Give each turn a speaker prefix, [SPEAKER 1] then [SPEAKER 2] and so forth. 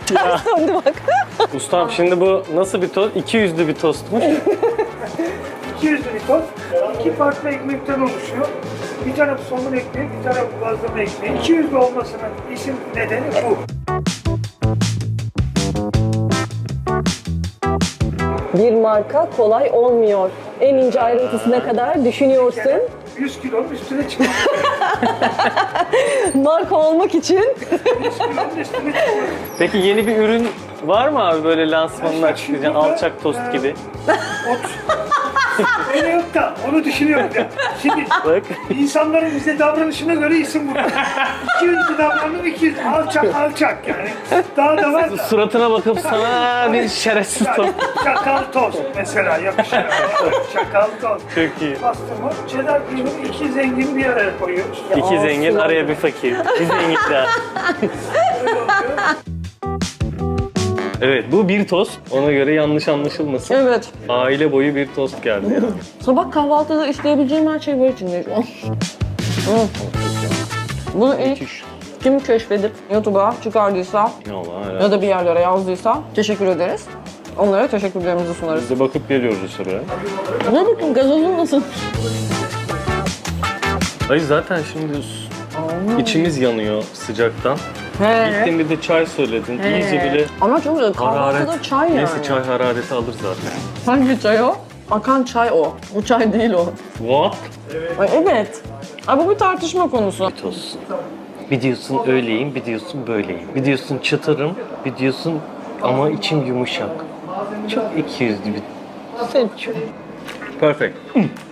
[SPEAKER 1] Ters döndü bak.
[SPEAKER 2] Ustam şimdi bu nasıl bir tost? 200'lü bir tostmuş.
[SPEAKER 3] 200 bir tost, iki farklı ekmekten oluşuyor. Bir tarafı somun ekmeği, bir tarafı bazlama ekmeği. 200 olmasının isim nedeni bu.
[SPEAKER 1] Bir marka kolay olmuyor. En ince ayrıntısına kadar düşünüyorsun.
[SPEAKER 3] 100 kilonun üstüne çıkıyor.
[SPEAKER 1] Marka olmak için.
[SPEAKER 3] 100 kilonun üstüne çıkıyor.
[SPEAKER 2] Peki yeni bir ürün var mı abi böyle lansmanını açıklayacağın alçak tost gibi?
[SPEAKER 3] Öyle yok da onu düşünüyorum ya. Şimdi
[SPEAKER 2] Bak.
[SPEAKER 3] insanların bize davranışına göre isim bu. 200 davranım 200 alçak yani. Daha da var da.
[SPEAKER 2] Suratına bakıp sana bir şerefsiz tost.
[SPEAKER 3] Çakal tost mesela yakışır. Çakal tost.
[SPEAKER 2] Çok iyi.
[SPEAKER 3] Pastırma, cheddar peyniri iki zengin bir araya koyuyoruz.
[SPEAKER 2] İki zengin araya bir fakir. Bir zengin daha. Evet bu bir tost. Ona göre yanlış anlaşılmasın.
[SPEAKER 1] Evet.
[SPEAKER 2] Aile boyu bir tost geldi yani.
[SPEAKER 1] Sabah kahvaltıda isteyebileceğim her şey var içinde şu an. Bunu ilk kim keşfedip YouTube'a çıkardıysa
[SPEAKER 2] Allah
[SPEAKER 1] ya da bir yerlere yazdıysa teşekkür ederiz. Onlara teşekkürlerimizi sunarız.
[SPEAKER 2] Biz de bakıp geliyoruz sıraya.
[SPEAKER 1] Ne bakayım gazozun nasıl?
[SPEAKER 2] Hayır zaten şimdi içimiz yanıyor sıcaktan.
[SPEAKER 1] He.
[SPEAKER 2] Gittin bir de çay söyledin. İyice bile
[SPEAKER 1] Ama çok güzel. Kahvaltıda
[SPEAKER 2] hararet.
[SPEAKER 1] çay yani.
[SPEAKER 2] Neyse çay harareti alır zaten.
[SPEAKER 1] Hangi çay o? Akan çay o. Bu çay değil o.
[SPEAKER 2] What?
[SPEAKER 1] Ay, evet. Ay, bu bir tartışma konusu.
[SPEAKER 2] Tost. Bir diyorsun öyleyim, bir diyorsun böyleyim. Bir diyorsun çıtırım, bir diyorsun ama içim yumuşak. Çok 200'lü bir.
[SPEAKER 1] Seç.
[SPEAKER 2] Perfect.